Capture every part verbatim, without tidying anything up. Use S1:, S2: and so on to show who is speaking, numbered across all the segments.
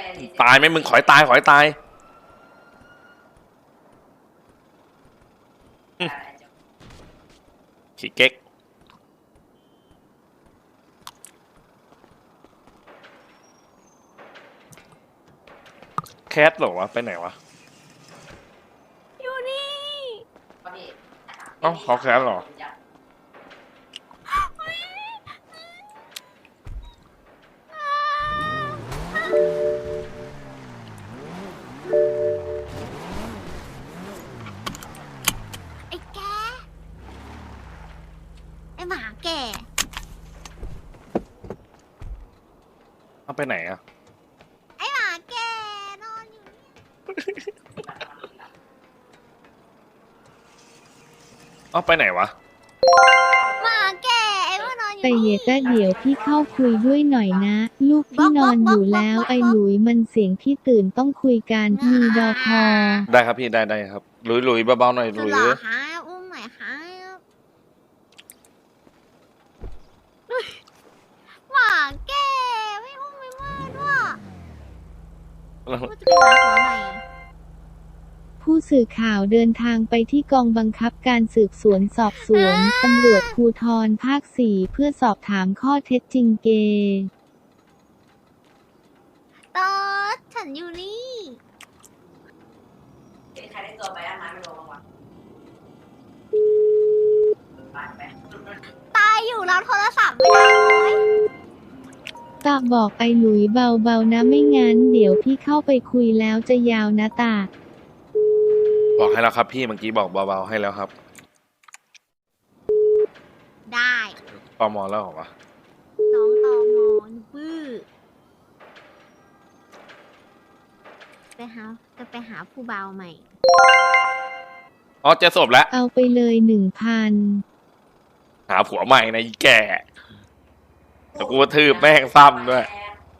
S1: ตายไหมมึงขอยตายขอยตายขี้เก๊กแคทหรอวะไปไหนวะ
S2: อยู่นี่
S1: เอ้าเขาแคทหรอ
S2: ไอ้แกไอ้หมาแก
S1: เอาไปไหนอะ
S2: ไอ้หมาแกนอนอยู่นี่
S1: เอาไปไหนวะ
S2: หมาแกไอ้ว่านอนอยู่
S3: แต่เยต้าเดี๋ยวพี่เข้าคุยด้วยหน่อยนะ ลูกพี่นอนอยู่แล้วไอ้หลุยมันเสียงพี่ตื่นต้องคุยกันมีดอพอ
S1: ได้ครับพี่ได้ได้ครับลุยลุยเบาๆหน่อย
S2: สุ
S1: ลุ
S2: ด
S1: ย
S2: หล่อฮะอุ้มหน่อยฮะหมาแกไม่อุ้มไม่ว่าด้วยว่าจะไปหาหัวใหม่
S3: ผู้สื่อข่าวเดินทางไปที่กองบังคับการสืบสวนสอบสวนตำรวจภูธรภาคสี่เพื่อสอบถามข้อเท็จจริงเก
S2: ตอดฉันอยู่นี่
S4: ใครได้ตัวไปอ่ะมาไม่รู้บ้างวะตายไป
S2: ตายอยู่รับโทรศัพท์ไม่ได้เลย
S3: ตาบอกไอ้หลุยเบาๆนะไม่งั้นเดี๋ยวพี่เข้าไปคุยแล้วจะยาวนะตา
S1: บอกให้แล้วครับพี่เมื่อกี้บอกเบาๆให้แล้วครับ
S2: ได้
S1: ปมแล้วเหรอวะ
S2: น้องตองอนบื้อไปหาจะไปหาผู้เบาใหม่
S1: อ๋อเจอศพแล้ว
S3: เอาไปเลยหนึ่งพัน
S1: หาผัวใหม่นะอีแก่แต่กูทืบแม่งซ้ำด้วย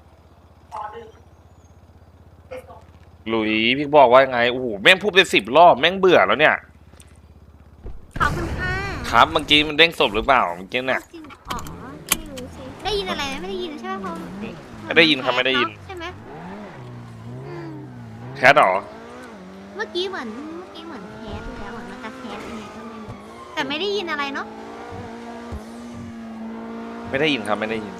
S1: หลุยพี่บอกว่ายังไงโอ้โหแม่งพูดไปสิบรอบแม่งเบื่อแล้วเนี่ย
S2: ขอบคุณค่ะ
S1: ครับเมื่อกี้มันเด้งศพหรือเปล่าเมื่อกี้เนี่ย
S2: จริงอ๋อไม่รู้สิได้ยินอะไรไหมไม่ได้ยินใช่ไหมเพราะ
S1: ไม่ได้ยินครับไม่ได้ยิน
S2: ใช่ไหมอืม
S1: แคทหรอ
S2: เมื่อกี้เหมือนเมื่อกี้เหมือนแคสอยู่แล้วเหมือนมันจะแคสยังไงก็ไม่รู้แต่ไม่ได้ยินอะไรเนาะ
S1: ไม่ได้ยินครับไม่ได้ยิน